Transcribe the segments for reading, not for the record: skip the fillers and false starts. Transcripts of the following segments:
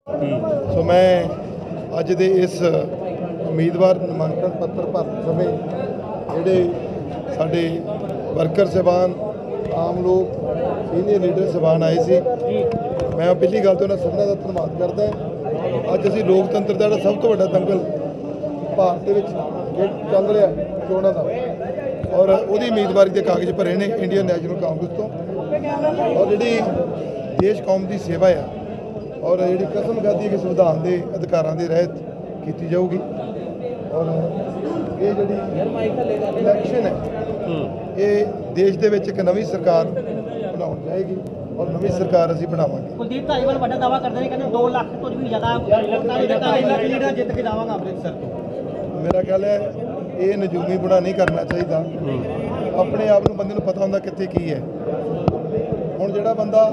ਸੋ ਮੈਂ ਅੱਜ ਦੇ ਇਸ ਉਮੀਦਵਾਰ ਨਾਮਾਂਕਨ ਪੱਤਰ ਭਰਨ ਸਮੇਂ ਜਿਹੜੇ ਸਾਡੇ ਵਰਕਰ ਸਾਹਿਬਾਨ, ਆਮ ਲੋਕ, ਸੀਨੀਅਰ ਲੀਡਰ ਸਾਹਿਬਾਨ ਆਏ ਸੀ, ਮੈਂ ਪਹਿਲੀ ਗੱਲ ਤਾਂ ਉਹਨਾਂ ਸਭਨਾਂ ਦਾ ਧੰਨਵਾਦ ਕਰਦਾ। ਅੱਜ ਅਸੀਂ ਲੋਕਤੰਤਰ ਦਾ ਜਿਹੜਾ ਸਭ ਤੋਂ ਵੱਡਾ ਦੰਗਲ ਭਾਰਤ ਦੇ ਵਿੱਚ ਚੱਲ ਰਿਹਾ ਚੋਣਾਂ ਦਾ, ਔਰ ਉਹਦੀ ਉਮੀਦਵਾਰੀ ਦੇ ਕਾਗਜ਼ ਭਰੇ ਨੇ ਇੰਡੀਅਨ ਨੈਸ਼ਨਲ ਕਾਂਗਰਸ ਤੋਂ, ਔਰ ਜਿਹੜੀ ਦੇਸ਼ ਕੌਮ ਦੀ ਸੇਵਾ ਆ ਔਰ ਜਿਹੜੀ ਕਸਮ ਖਾਧੀ ਕਿ ਸੰਵਿਧਾਨ ਦੇ ਅਧਿਕਾਰਾਂ ਦੇ ਰਹਿਤ ਕੀਤੀ ਜਾਊਗੀ। ਔਰ ਇਹ ਜਿਹੜੀ ਇਲੈਕਸ਼ਨ ਹੈ ਇਹ ਦੇਸ਼ ਦੇ ਵਿੱਚ ਇੱਕ ਨਵੀਂ ਸਰਕਾਰ ਬਣਾਉਣ ਜਾਏਗੀ ਔਰ ਨਵੀਂ ਸਰਕਾਰ ਅਸੀਂ ਬਣਾਵਾਂਗੇ। ਕੁਲਦੀਪ ਧਾਲੀਵਾਲ ਵੱਡਾ ਦਾਅਵਾ ਕਰਦੇ ਨੇ, ਕਹਿੰਦੇ 2 ਲੱਖ ਤੋਂ ਵੀ ਜ਼ਿਆਦਾ ਲੀਡਰ ਜਿੱਤ ਕੇ ਜਾਵਾਂਗਾ ਅੰਮ੍ਰਿਤਸਰ ਤੋਂ। ਮੇਰਾ ਖਿਆਲ ਹੈ ਇਹ ਨਜੂਮੀ ਬੁਣਾ ਨਹੀਂ ਕਰਨਾ ਚਾਹੀਦਾ। ਆਪਣੇ ਆਪ ਨੂੰ ਬੰਦੇ ਨੂੰ ਪਤਾ ਹੁੰਦਾ ਕਿੱਥੇ ਕੀ ਹੈ। ਹੁਣ ਜਿਹੜਾ ਬੰਦਾ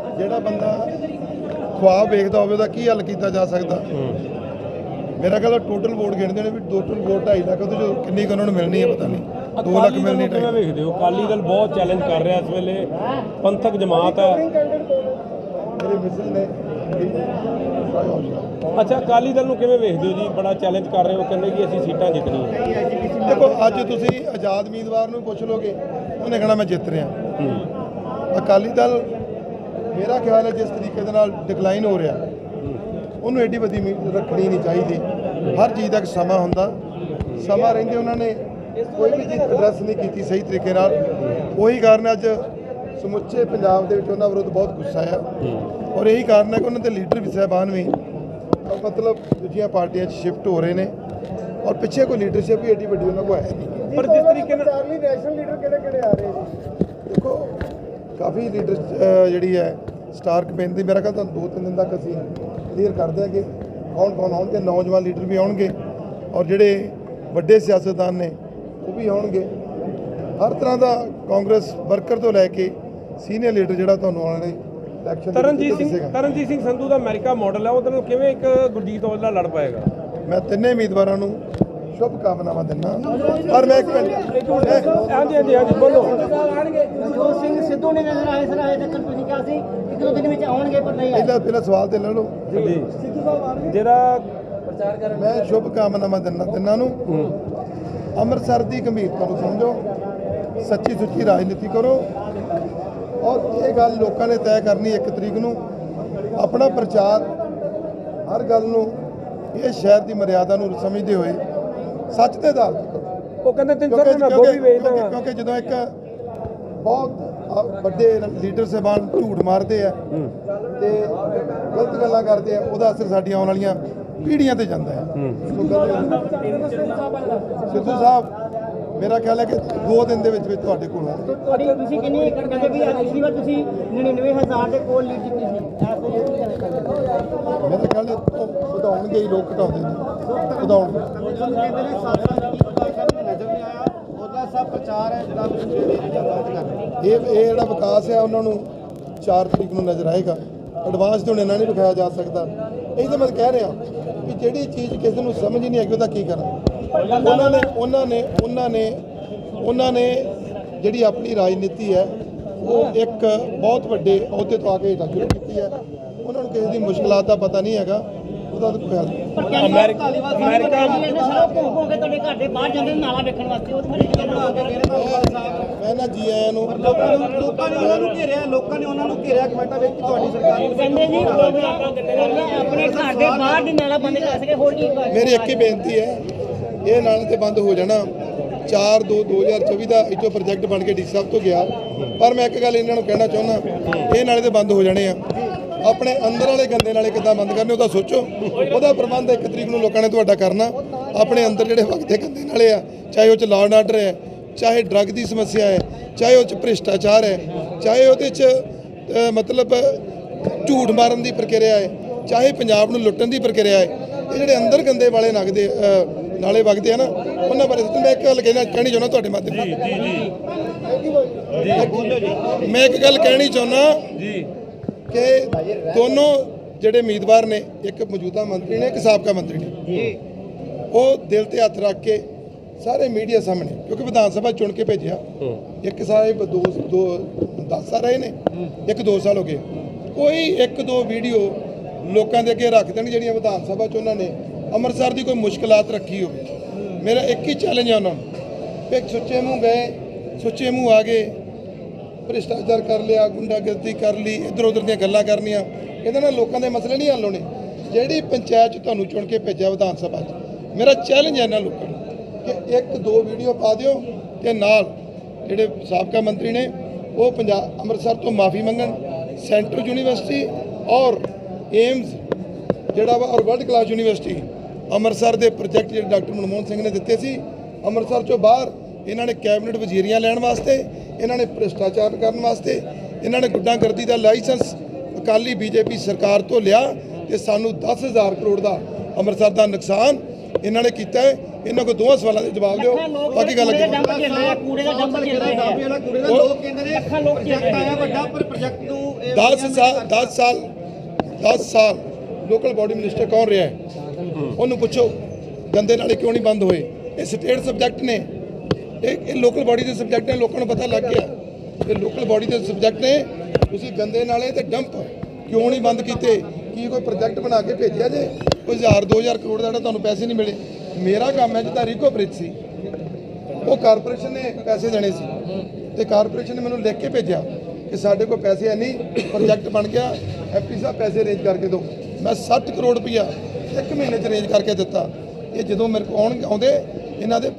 ਖੁਆਬ ਵੇਖਦਾ ਹੋਵੇ ਉਹਦਾ ਕੀ ਹੱਲ ਕੀਤਾ ਜਾ ਸਕਦਾ। ਮੇਰਾ ਖਿਆਲ ਟੋਟਲ ਵੋਟ ਗਿਣਦੇ ਨੇ ਵੀ ਟੋਟਲ ਵੋਟ 2.5 ਲੱਖ, ਉਹਦੇ ਚੋਂ ਕਿੰਨੀ ਕੁ ਉਹਨਾਂ ਨੂੰ ਮਿਲਣੀ ਹੈ ਪਤਾ ਨਹੀਂ। 2 ਲੱਖ ਮਿਲਣੀ ਕਿਵੇਂ ਵੇਖਦੇ ਹੋ? ਅਕਾਲੀ ਦਲ ਬਹੁਤ ਚੈਲੰਜ ਕਰ ਰਿਹਾ ਇਸ ਵੇਲੇ, ਪੰਥਕ ਜਮਾਤ ਹੈ। ਮੇਰੇ ਮਿਸਲ ਨੇ ਅੱਛਾ, ਅਕਾਲੀ ਦਲ ਨੂੰ ਕਿਵੇਂ ਵੇਖਦੇ ਹੋ ਜੀ? ਬੜਾ ਚੈਲੰਜ ਕਰ ਰਹੇ ਹੋ, ਕਹਿੰਦੇ ਕਿ ਅਸੀਂ ਸੀਟਾਂ ਜਿੱਤਣੀਆਂ। ਦੇਖੋ, ਅੱਜ ਤੁਸੀਂ ਆਜ਼ਾਦ ਉਮੀਦਵਾਰ ਨੂੰ ਪੁੱਛ ਲੋਗੇ, ਉਹਨੇ ਕਹਿਣਾ ਮੈਂ ਜਿੱਤ ਰਿਹਾ। ਅਕਾਲੀ ਦਲ ਮੇਰਾ ਖਿਆਲ ਹੈ ਜਿਸ ਤਰੀਕੇ ਦੇ ਨਾਲ ਡਿਕਲਾਈਨ ਹੋ ਰਿਹਾ, ਉਹਨੂੰ ਐਡੀ ਵੱਡੀ ਉਮੀਦ ਰੱਖਣੀ ਨਹੀਂ ਚਾਹੀਦੀ। ਹਰ ਚੀਜ਼ ਦਾ ਇੱਕ ਸਮਾਂ ਹੁੰਦਾ, ਸਮਾਂ ਰਹਿੰਦੇ ਉਹਨਾਂ ਨੇ ਕੋਈ ਵੀ ਚੀਜ਼ ਐਡਰੈਸ ਨਹੀਂ ਕੀਤੀ ਸਹੀ ਤਰੀਕੇ ਨਾਲ। ਉਹੀ ਕਾਰਨ ਅੱਜ ਸਮੁੱਚੇ ਪੰਜਾਬ ਦੇ ਵਿੱਚ ਉਹਨਾਂ ਵਿਰੁੱਧ ਬਹੁਤ ਗੁੱਸਾ ਆ, ਔਰ ਇਹੀ ਕਾਰਨ ਹੈ ਕਿ ਉਹਨਾਂ ਦੇ ਲੀਡਰ ਵੀ ਸਾਹਿਬਾਨ ਵੀ ਮਤਲਬ ਦੂਜੀਆਂ ਪਾਰਟੀਆਂ 'ਚ ਸ਼ਿਫਟ ਹੋ ਰਹੇ ਨੇ, ਔਰ ਪਿੱਛੇ ਕੋਈ ਲੀਡਰਸ਼ਿਪ ਵੀ ਐਡੀ ਵੱਡੀ ਉਹਨਾਂ ਕੋਲ ਹੈ ਨਹੀਂ। ਪਰ ਜਿਸ ਤਰੀਕੇ ਨਾਲ ਨੈਸ਼ਨਲ ਲੀਡਰ ਕਿਹੜੇ ਆ ਰਹੇ ਨੇ, ਦੇਖੋ ਕਾਫੀ ਲੀਡਰ ਜਿਹੜੀ ਹੈ ਸਟਾਰ ਕੈਂਪੇਨ ਦੀ ਮੇਰਾ ਖਿਆਲ ਤਾਂ 2-3 ਦਿਨ ਤੱਕ ਅਸੀਂ ਕਲੀਅਰ ਕਰ ਦਿਆਂਗੇ ਕੌਣ ਆਉਣਗੇ। ਨੌਜਵਾਨ ਲੀਡਰ ਵੀ ਆਉਣਗੇ ਔਰ ਜਿਹੜੇ ਵੱਡੇ ਸਿਆਸਤਦਾਨ ਨੇ ਉਹ ਵੀ ਆਉਣਗੇ। ਹਰ ਤਰ੍ਹਾਂ ਦਾ ਕਾਂਗਰਸ ਵਰਕਰ ਤੋਂ ਲੈ ਕੇ ਸੀਨੀਅਰ ਲੀਡਰ ਜਿਹੜਾ ਤੁਹਾਨੂੰ ਆਉਣ ਵਾਲੇ ਇਲੈਕਸ਼ਨ ਤਰਨਜੀਤ ਸਿੰਘ ਸੰਧੂ ਦਾ ਅਮਰੀਕਾ ਮਾਡਲ ਹੈ, ਉਹਦੇ ਨਾਲ ਕਿਵੇਂ ਇੱਕ ਗੁਰਜੀਤ ਔਜਲਾ ਲੜ ਪਾਏਗਾ? ਮੈਂ ਤਿੰਨੇ ਉਮੀਦਵਾਰਾਂ ਨੂੰ ਸ਼ੁਭ ਕਾਮਨਾਵਾਂ ਦਿੰਦਾ। ਪਰ ਮੈਂ ਇੱਕ ਹਾਂਜੀ ਬੋਲੋ। ਨਵਜੋਤ ਸਿੰਘ ਸਿੱਧੂ ਨੇ ਨਜ਼ਰ ਆਏ ਸਰ, ਅਜੇ ਤੱਕ ਤੁਸੀਂ ਕਿਹਾ ਸੀ 1-2 ਦਿਨ ਵਿੱਚ ਆਉਣਗੇ, ਪਰ ਨਹੀਂ ਆਏ। ਪਹਿਲਾਂ ਸਵਾਲ ਤੇ ਲੈ ਲਓ ਜੀ, ਜਿਹੜਾ ਮੈਂ ਸ਼ੁਭ ਕਾਮਨਾਵਾਂ ਦਿੰਦਾ ਤਿੰਨਾਂ ਨੂੰ। ਅੰਮ੍ਰਿਤਸਰ ਦੀ ਗੰਭੀਰਤਾ ਨੂੰ ਸਮਝੋ, ਸੱਚੀ ਸੁੱਚੀ ਰਾਜਨੀਤੀ ਕਰੋ, ਔਰ ਇਹ ਗੱਲ ਲੋਕਾਂ ਨੇ ਤੈਅ ਕਰਨੀ 1 ਤਰੀਕ ਨੂੰ। ਆਪਣਾ ਪ੍ਰਚਾਰ ਹਰ ਗੱਲ ਨੂੰ ਇਹ ਸ਼ਹਿਰ ਦੀ ਮਰਿਆਦਾ ਨੂੰ ਸਮਝਦੇ ਹੋਏ ਸੱਚ ਦੇ ਆਧਾਰ ਤੇ ਕਰੋ। ਉਹ ਕਹਿੰਦੇ 300 ਮੈਂ ਗੋਭੀ ਵੇਚਦਾ। ਕਿਉਂਕਿ ਜਦੋਂ ਇੱਕ ਬਹੁਤ ਵੱਡੇ ਲੀਡਰ ਸਾਹਿਬਾਨ ਝੂਠ ਮਾਰਦੇ ਆ ਤੇ ਗਲਤ ਗੱਲਾਂ ਕਰਦੇ ਆ, ਉਹਦਾ ਅਸਰ ਸਾਡੀਆਂ ਆਉਣ ਵਾਲੀਆਂ ਪੀੜ੍ਹੀਆਂ ਤੇ ਜਾਂਦਾ ਹੈ। ਸਿੱਧੂ ਸਾਹਿਬ ਮੇਰਾ ਖਿਆਲ ਹੈ ਕਿ 2 ਦਿਨ ਦੇ ਵਿੱਚ ਤੁਹਾਡੇ ਕੋਲ ਆਉਣਗੇ। ਤੁਸੀਂ ਕਿੰਨੀ ਏਕੜ ਕਹਿੰਦੇ ਵੀ ਪਿਛਲੀ ਵਾਰ ਤੁਸੀਂ 99,000 ਦੇ ਕੋਲ ਲੀਡ ਜਿੱਤੀ ਸੀ, ਮੇਰੇ ਖਿਆਲ ਵਧਾਉਣਗੇ ਹੀ, ਲੋਕ ਘਟਾਉਂਦੇ ਨੇ, ਵਧਾਉਣਗੇ। ਇਹ ਜਿਹੜਾ ਵਿਕਾਸ ਹੈ ਉਹਨਾਂ ਨੂੰ 4 ਤਰੀਕ ਨੂੰ ਨਜ਼ਰ ਆਏਗਾ। ਐਡਵਾਂਸ ਤੇ ਹੁਣ ਇਹਨਾਂ ਨਹੀਂ ਵਿਖਾਇਆ ਜਾ ਸਕਦਾ। ਇਹ ਤਾਂ ਮੈਂ ਕਹਿ ਰਿਹਾ ਵੀ ਜਿਹੜੀ ਚੀਜ਼ ਕਿਸੇ ਨੂੰ ਸਮਝ ਹੀ ਨਹੀਂ ਆਏਗੀ ਉਹਦਾ ਕੀ ਕਰਾਂ। ਉਹਨਾਂ ਨੇ ਜਿਹੜੀ ਆਪਣੀ ਰਾਜਨੀਤੀ ਹੈ ਉਹ ਇੱਕ ਬਹੁਤ ਵੱਡੇ ਅਹੁਦੇ ਤੋਂ ਆ ਕੇ ਸ਼ੁਰੂ ਕੀਤੀ ਹੈ। ਉਹਨਾਂ ਨੂੰ ਕਿਸੇ ਦੀ ਮੁਸ਼ਕਲਾਂ ਦਾ ਪਤਾ ਨਹੀਂ ਹੈਗਾ, ਉਹਦਾ ਤਾਂ ਕੋਈ ਹੱਲ ਨਹੀਂ। ਅਮਰੀਕਾ ਤੁਹਾਡੇ ਘਰ ਦੇ ਬਾਹਰ ਜਾਂਦੇ ਨਾਲਾ ਵੇਖਣ ਵਾਸਤੇ, ਮੈਂ ਨਾ ਜੀ ਆਇਆਂ ਨੂੰ ਲੋਕਾਂ ਨੇ ਉਹਨਾਂ ਨੂੰ ਘੇਰਿਆ ਕਮੈਂਟਾਂ ਵਿੱਚ ਤੁਹਾਡੀ ਸਰਕਾਰ ਨੂੰ ਕਹਿੰਦੇ ਜੀ ਆਪਣੇ ਘਰ ਦੇ ਬਾਹਰ ਦੀ ਨਾਲਾ ਬੰਦ ਕਰ ਸਕੇ। ਹੋਰ ਕੀ ਮੇਰੀ ਇੱਕ ਹੀ ਬੇਨਤੀ ਹੈ, ਇਹ ਨਾਲੇ ਤੇ ਬੰਦ ਹੋ ਜਾਣਾ। 4/2/2024 ਦਾ ਇੱਥੋਂ ਪ੍ਰੋਜੈਕਟ ਬਣ ਕੇ ਡੀ ਸਾਹਿਬ ਤੋਂ ਗਿਆ, ਪਰ ਮੈਂ ਇੱਕ ਗੱਲ ਇਹਨਾਂ ਨੂੰ ਕਹਿਣਾ ਚਾਹੁੰਦਾ, ਇਹ ਨਾਲੇ ਤੇ ਬੰਦ ਹੋ ਜਾਣੇ ਆ। ਆਪਣੇ ਅੰਦਰ ਵਾਲੇ ਗੰਦੇ ਨਾਲੇ ਕਿੱਦਾਂ ਬੰਦ ਕਰਨੇ ਉਹਦਾ ਸੋਚੋ। ਉਹਦਾ ਪ੍ਰਬੰਧ 1 ਤਰੀਕ ਨੂੰ ਲੋਕਾਂ ਨੇ ਤੁਹਾਡਾ ਕਰਨਾ। ਆਪਣੇ ਅੰਦਰ ਜਿਹੜੇ ਵਗਦੇ ਗੰਦੇ ਨਾਲੇ ਆ, ਚਾਹੇ ਉਹ 'ਚ ਲਾਅ ਐਂਡ ਆਰਡਰ ਹੈ, ਚਾਹੇ ਡਰੱਗ ਦੀ ਸਮੱਸਿਆ ਹੈ, ਚਾਹੇ ਉਹ 'ਚ ਭ੍ਰਿਸ਼ਟਾਚਾਰ ਹੈ, ਚਾਹੇ ਉਹਦੇ 'ਚ ਮਤਲਬ ਝੂਠ ਮਾਰਨ ਦੀ ਪ੍ਰਕਿਰਿਆ ਹੈ, ਚਾਹੇ ਪੰਜਾਬ ਨੂੰ ਲੁੱਟਣ ਦੀ ਪ੍ਰਕਿਰਿਆ ਹੈ, ਇਹ ਜਿਹੜੇ ਅੰਦਰ ਗੰਦੇ ਵਾਲੇ ਨਾਲੇ ਵਗਦੇ ਆ ਨਾ, ਉਹਨਾਂ ਬਾਰੇ ਮੈਂ ਇੱਕ ਗੱਲ ਕਹਿਣੀ ਚਾਹੁੰਦਾ ਤੁਹਾਡੇ ਮਾਧਿਅਮ ਨਾਲ। ਮੈਂ ਇੱਕ ਗੱਲ ਕਹਿਣੀ ਚਾਹੁੰਦਾ ਕਿ ਦੋਨੋਂ ਜਿਹੜੇ ਉਮੀਦਵਾਰ ਨੇ, ਇੱਕ ਮੌਜੂਦਾ ਮੰਤਰੀ ਨੇ, ਇੱਕ ਸਾਬਕਾ ਮੰਤਰੀ ਨੇ, ਉਹ ਦਿਲ ਤੇ ਹੱਥ ਰੱਖ ਕੇ ਸਾਰੇ ਮੀਡੀਆ ਸਾਹਮਣੇ, ਕਿਉਂਕਿ ਵਿਧਾਨ ਸਭਾ ਚੁਣ ਕੇ ਭੇਜਿਆ, ਇੱਕ ਸਾਹਿਬ 10 ਸਾਲ ਰਹੇ ਨੇ, ਇੱਕ 2 ਸਾਲ ਹੋ ਗਏ, ਕੋਈ 1-2 ਵੀਡੀਓ ਲੋਕਾਂ ਦੇ ਅੱਗੇ ਰੱਖ ਦੇਣ ਜਿਹੜੀਆਂ ਵਿਧਾਨ ਸਭਾ 'ਚ ਉਹਨਾਂ ਨੇ ਅੰਮ੍ਰਿਤਸਰ ਦੀ ਕੋਈ ਮੁਸ਼ਕਲਾਤ ਰੱਖੀ ਹੋਵੇ। ਮੇਰਾ ਇੱਕ ਹੀ ਚੈਲੰਜ ਹੈ ਉਹਨਾਂ ਨੂੰ, ਇੱਕ ਸੁੱਚੇ ਮੂੰਹ ਗਏ, ਸੁੱਚੇ ਮੂੰਹ ਆ ਗਏ, ਭ੍ਰਿਸ਼ਟਾਚਾਰ ਕਰ ਲਿਆ, ਗੁੰਡਾਗਰਦੀ ਕਰ ਲਈ, ਇੱਧਰ ਉੱਧਰ ਦੀਆਂ ਗੱਲਾਂ ਕਰਨੀਆਂ, ਇਹਦੇ ਨਾਲ ਲੋਕਾਂ ਦੇ ਮਸਲੇ ਨਹੀਂ ਹੱਲ ਹੋਣੇ। ਜਿਹੜੀ ਪੰਚਾਇਤ 'ਚ ਤੁਹਾਨੂੰ ਚੁਣ ਕੇ ਭੇਜਿਆ ਵਿਧਾਨ ਸਭਾ 'ਚ, ਮੇਰਾ ਚੈਲੰਜ ਹੈ ਇਹਨਾਂ ਲੋਕਾਂ ਨੂੰ ਕਿ 1-2 ਵੀਡੀਓ ਪਾ ਦਿਓ ਤੇ ਨਾਲ ਜਿਹੜੇ ਸਾਬਕਾ ਮੰਤਰੀ ਨੇ ਉਹ ਪੰਜਾਬ ਅੰਮ੍ਰਿਤਸਰ ਤੋਂ ਮਾਫੀ ਮੰਗਣ, ਸੈਂਟਰਲ ਯੂਨੀਵਰਸਿਟੀ ਔਰ ਏਮਸ ਜਿਹੜਾ ਵਾ ਔਰ ਵਰਲਡ ਕਲਾਸ ਯੂਨੀਵਰਸਿਟੀ ਅੰਮ੍ਰਿਤਸਰ ਦੇ ਪ੍ਰੋਜੈਕਟ ਜਿਹੜੇ ਡਾਕਟਰ ਮਨਮੋਹਨ ਸਿੰਘ ਨੇ ਦਿੱਤੇ ਸੀ ਅੰਮ੍ਰਿਤਸਰ ਚੋਂ ਬਾਹਰ, ਇਹਨਾਂ ਨੇ ਕੈਬਨਿਟ ਵਜ਼ੀਰੀਆਂ ਲੈਣ ਵਾਸਤੇ, ਇਹਨਾਂ ਨੇ ਭ੍ਰਿਸ਼ਟਾਚਾਰ ਕਰਨ ਵਾਸਤੇ, ਇਹਨਾਂ ਨੇ ਗੁੰਡਾਗਰਦੀ ਦਾ ਲਾਇਸੈਂਸ ਅਕਾਲੀ ਬੀਜੇਪੀ ਸਰਕਾਰ ਤੋਂ ਲਿਆ ਤੇ ਸਾਨੂੰ 10,000 ਕਰੋੜ ਦਾ ਅੰਮ੍ਰਿਤਸਰ ਦਾ ਨੁਕਸਾਨ ਇਹਨਾਂ ਨੇ ਕੀਤਾ ਹੈ। ਇਹਨਾਂ ਕੋਲ ਦੋਵਾਂ ਸਵਾਲਾਂ ਦੇ ਜਵਾਬ ਦਿਓ, ਬਾਕੀ ਗੱਲ ਅੱਗੇ। ਕੂੜੇ ਦਾ ਡੰਪ ਚੱਲ ਰਿਹਾ ਹੈ, ਕੂੜੇ ਦਾ ਲੋਕ ਕਹਿੰਦੇ ਨੇ ਲੱਖਾਂ ਲੋਕ ਚੱਲ ਪ੍ਰੋਜੈਕਟ ਰਹੇ ਆਇਆ ਹੈ। ਵੱਡਾ, ਪਰ ਪ੍ਰੋਜੈਕਟ ਨੂੰ 10 ਸਾਲ ਲੋਕਲ ਬਾਡੀ ਮਿਨਿਸਟਰ ਕੌਣ ਰਿਹਾ ਹੈ? ਉਹਨੂੰ ਪੁੱਛੋ ਗੰਦੇ ਨਾਲੇ ਕਿਉਂ ਨਹੀਂ ਬੰਦ ਹੋਏ? ਇਹ ਸਟੇਟ ਸਬਜੈਕਟ ਨੇ, ਇਹ ਲੋਕਲ ਬਾਡੀ ਦੇ ਸਬਜੈਕਟ ਨੇ, ਲੋਕਾਂ ਨੂੰ ਪਤਾ ਲੱਗ ਗਿਆ ਇਹ ਲੋਕਲ ਬਾਡੀ ਦੇ ਸਬਜੈਕਟ ਨੇ। ਤੁਸੀਂ ਗੰਦੇ ਨਾਲੇ ਤੇ ਡੰਪ ਕਿਉਂ ਨਹੀਂ ਬੰਦ ਕੀਤੇ? ਕੀ ਕੋਈ ਪ੍ਰੋਜੈਕਟ ਬਣਾ ਕੇ ਭੇਜਿਆ ਜੇ? ਕੋਈ 1000-2000 ਕਰੋੜ ਦਾ ਜਿਹੜਾ ਤੁਹਾਨੂੰ ਪੈਸੇ ਨਹੀਂ ਮਿਲੇ? ਮੇਰਾ ਕੰਮ ਹੈ ਜਿੱਦਾਂ ਰੀਕੋ ਬ੍ਰਿਜ ਸੀ, ਉਹ ਕਾਰਪੋਰੇਸ਼ਨ ਨੇ ਪੈਸੇ ਦੇਣੇ ਸੀ ਤੇ ਕਾਰਪੋਰੇਸ਼ਨ ਨੇ ਮੈਨੂੰ ਲਿਖ ਕੇ ਭੇਜਿਆ ਕਿ ਸਾਡੇ ਕੋਲ ਪੈਸੇ ਹੈ ਨਹੀਂ, ਪ੍ਰੋਜੈਕਟ ਬਣ ਗਿਆ, ਐਮਪੀ ਸਾਹਿਬ ਪੈਸੇ ਅਰੇਂਜ ਕਰਕੇ ਦਿਓ। ਮੈਂ 60 ਕਰੋੜ ਰੁਪਈਆ 1 ਮਹੀਨੇ 'ਚ ਅਰੇਂਜ ਕਰਕੇ ਦਿੱਤਾ। ਇਹ ਜਦੋਂ ਮੇਰੇ ਕੋਲ ਆਉਂਦੇ ਇਹਨਾਂ ਦੇ